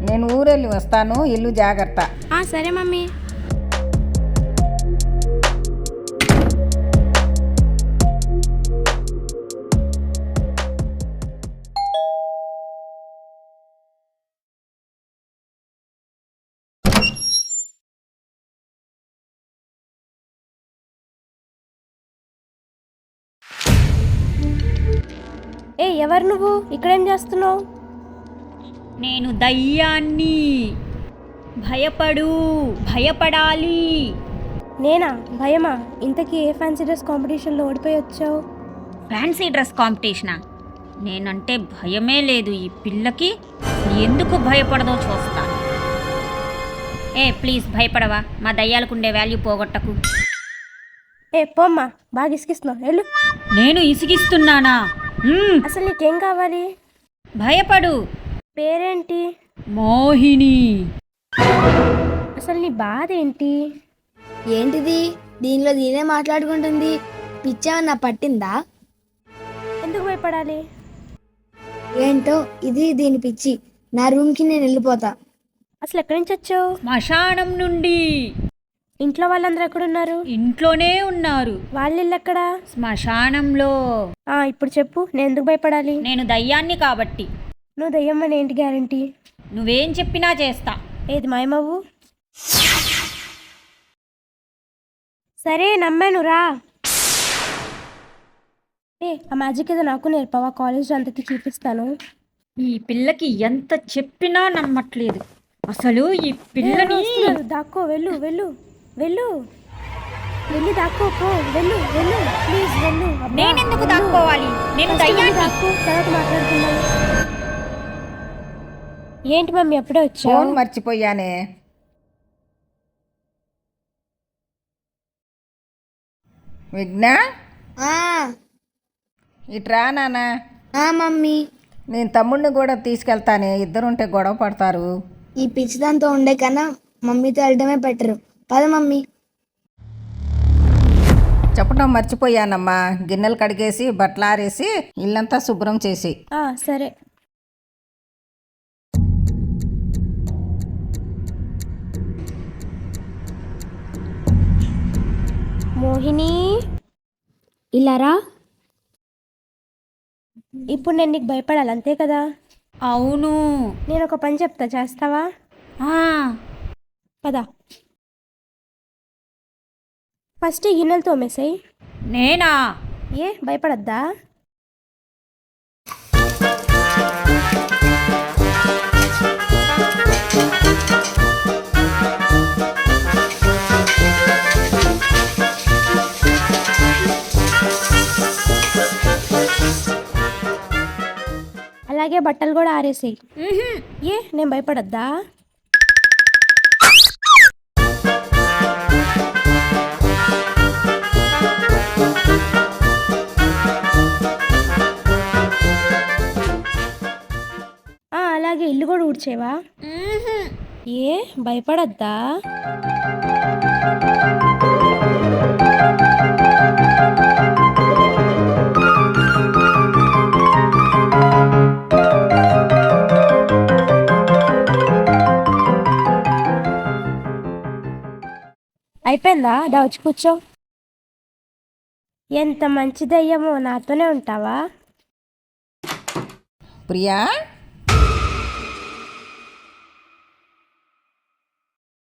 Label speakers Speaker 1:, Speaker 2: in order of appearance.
Speaker 1: నేను ఊరెళ్ళి వస్తాను, ఇల్లు జాగ్రత్త.
Speaker 2: సరే మమ్మీ. ఎవరు నువ్వు? ఇక్కడేం చేస్తున్నావు?
Speaker 3: నేను దయ్యాన్ని. భయపడాలి.
Speaker 2: నేనా? భయమా? ఇంతకీ ఏ ఫ్యాన్సీ డ్రెస్ కాంపిటీషన్లో ఓడిపోయి వచ్చావు?
Speaker 3: ఫ్యాన్సీ డ్రెస్ కాంపిటీషనా? నేనంటే భయమే లేదు ఈ పిల్లకి. ఎందుకు భయపడదో చూస్తా. ప్లీజ్ భయపడవా? మా దయ్యాలకుండే వాల్యూ పోగొట్టకు.
Speaker 2: పోమ్మా, బాగా ఇసుకిస్తున్నావు, వెళ్ళు.
Speaker 3: నేను ఇసిగిస్తున్నానా?
Speaker 2: అసలు నీకేం కావాలి?
Speaker 3: భయపడు.
Speaker 2: పేరేంటి?
Speaker 3: మోహిని.
Speaker 2: అసలు నీ బాధ ఏంటి?
Speaker 4: ఏంటిది? దీనిలో దీనే మాట్లాడుకుంటుంది. పిచ్చేమన్నా పట్టిందా?
Speaker 2: ఎందుకు భయపడాలి?
Speaker 4: ఏంటో ఇది దీని పిచ్చి. నా రూమ్కి నేను వెళ్ళిపోతా.
Speaker 2: అసలు ఎక్కడి నుంచి వచ్చావు?
Speaker 3: శ్మశానం నుండి.
Speaker 2: ఇంట్లో వాళ్ళందరూ ఎక్కడున్నారు?
Speaker 3: ఇంట్లోనే ఉన్నారు.
Speaker 2: వాళ్ళ ఇల్లు ఎక్కడా?
Speaker 3: శ్మశానంలో.
Speaker 2: ఇప్పుడు చెప్పు, నేను ఎందుకు భయపడాలి?
Speaker 3: నేను దయ్యాన్ని కాబట్టి.
Speaker 2: నువ్వు దయ్యమ్మని ఏంటి గ్యారంటీ?
Speaker 3: నువ్వేం చెప్పినా చేస్తా.
Speaker 2: ఏది మాయమవ్వు. సరే నమ్మాను, రా. ఆ మ్యాజిక్ ఏదో నాకు నేర్పవా? కాలేజ్ అంతకి చూపిస్తాను.
Speaker 3: ఈ పిల్లకి ఎంత చెప్పినా నమ్మట్లేదు. అసలు ఈ పిల్లని
Speaker 2: దాక్కో, వెళ్ళు వెళ్ళు వెళ్ళు, వెళ్ళి దాక్కో, పో, వెళ్ళు వెళ్ళు, ప్లీజ్ వెళ్ళు.
Speaker 3: నేనెందుకు దాక్కోవాలి? నేను దయ్యాన్ని.
Speaker 2: దాక్కో, తర్వాత మాట్లాడుతున్నాను. ఏంటి మమ్మీ అప్పుడే వచ్చావు?
Speaker 1: ఫోన్ మర్చిపోయానే. విఘ్నా, ఇట్రా నాన్న.
Speaker 4: మమ్మీ,
Speaker 1: నేను తమ్ముడిని కూడా తీసుకెళ్తానే, ఇద్దరుంటే గొడవ పడతారు.
Speaker 4: ఈ పిచ్చిదాంతో ఉండే కన్నా మమ్మీతో వెళ్ళడమే బెటరు. పద మమ్మీ.
Speaker 1: చెప్పడం మర్చిపోయానమ్మా. గిన్నెలు కడిగేసి బట్టలు ఆరేసి ఇల్లంతా శుభ్రం చేసి.
Speaker 2: సరే. మోహిని,
Speaker 4: ఇలారా.
Speaker 2: ఇప్పుడు నేను నీకు భయపడాలి, అంతే కదా?
Speaker 3: అవును.
Speaker 2: నేను ఒక పని చెప్తా, చేస్తావా? పద. ఫస్ట్ ఈ గిన్నెలు తోమేసాయి.
Speaker 3: నేనా?
Speaker 2: భయపడద్దా? అలాగే బట్టలు కూడా ఆరేసాయి. నేను భయపడద్దా? అలాగే ఇల్లు కూడా ఊడ్చేవా? భయపడద్దా? అయిపోయిందా? వచ్చి కూర్చో. ఎంత మంచిదయ్యమో, నాతోనే ఉంటావా?
Speaker 1: ప్రియా,